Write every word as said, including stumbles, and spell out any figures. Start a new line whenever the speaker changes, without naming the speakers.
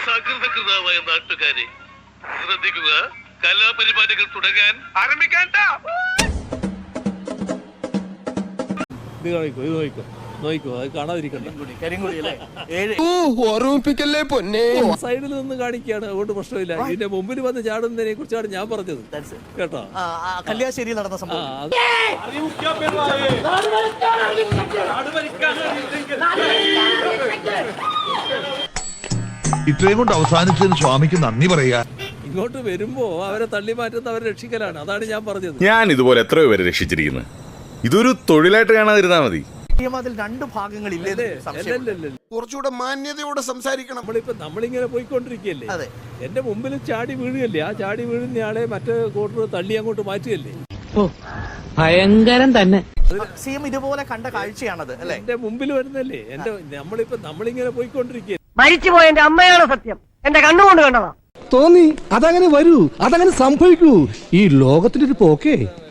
സകൃതകൃതമായ നാട്ടുകാരെ ശ്രദ്ധിക്കുക, കലാപരിപാടികൾ തുടങ്ങാൻ ആരംഭിക്കാൻ.
ഇത് നോക്കോ, ഇത് നോക്കോ, നോക്കോ, അത് കാണാതിരിക്കണ്ട.
ഓർമ്മിപ്പിക്കല്ലേ പൊന്നെ.
സൈഡിൽ നിന്ന് കാണിക്കുകയാണ്, അതുകൊണ്ട് പ്രശ്നമില്ല. ഇതിന്റെ മുമ്പിൽ വന്ന് ചാടുന്നതിനെ കുറിച്ചാണ് ഞാൻ പറഞ്ഞത് കേട്ടോ.
കല്യാശ്ശേരിയിൽ നടന്ന സംഭവം
ഇത്രയും കൊണ്ട് അവസാനിച്ചതിന് സ്വാമിക്ക് നന്ദി പറയാ.
ഇങ്ങോട്ട് വരുമ്പോ അവരെ തള്ളി മാറ്റുന്ന അവരെ രക്ഷിക്കലാണ്, അതാണ് ഞാൻ പറഞ്ഞത്.
ഞാൻ ഇതുപോലെ എത്രയോ പേരെ രക്ഷിച്ചിരിക്കുന്നത്. ഇതൊരു തൊഴിലായിട്ട് കാണാതിരുന്നാ മതി.
അതിൽ രണ്ട് ഭാഗങ്ങളില്ലേ?
കുറച്ചുകൂടെ മാന്യതയോടെ സംസാരിക്കണം.
നമ്മളിപ്പോ നമ്മളിങ്ങനെ പോയിക്കൊണ്ടിരിക്കുകയല്ലേ, എന്റെ മുമ്പിൽ ചാടി വീഴുകയല്ലേ, ആ ചാടി വീഴുന്നയാളെ മറ്റേ കോട്ടർ തള്ളി അങ്ങോട്ട് മാറ്റുകയല്ലേ.
ഭയങ്കരം തന്നെ.
സിഎം ഇതുപോലെ കണ്ട കാഴ്ചയാണത് അല്ലെ?
എന്റെ മുമ്പിൽ വരുന്നല്ലേ, എന്റെ നമ്മളിപ്പോ നമ്മളിങ്ങനെ പോയിക്കൊണ്ടിരിക്കുക.
മരിച്ചുപോയ എന്റെ അമ്മയാണ് സത്യം, എന്റെ കണ്ണുകൊണ്ട് കണ്ടതാ.
തോന്നി അതങ്ങനെ വരൂ, അതങ്ങനെ സംഭവിക്കൂ. ഈ ലോകത്തിന്റെ ഒരു പോക്കേ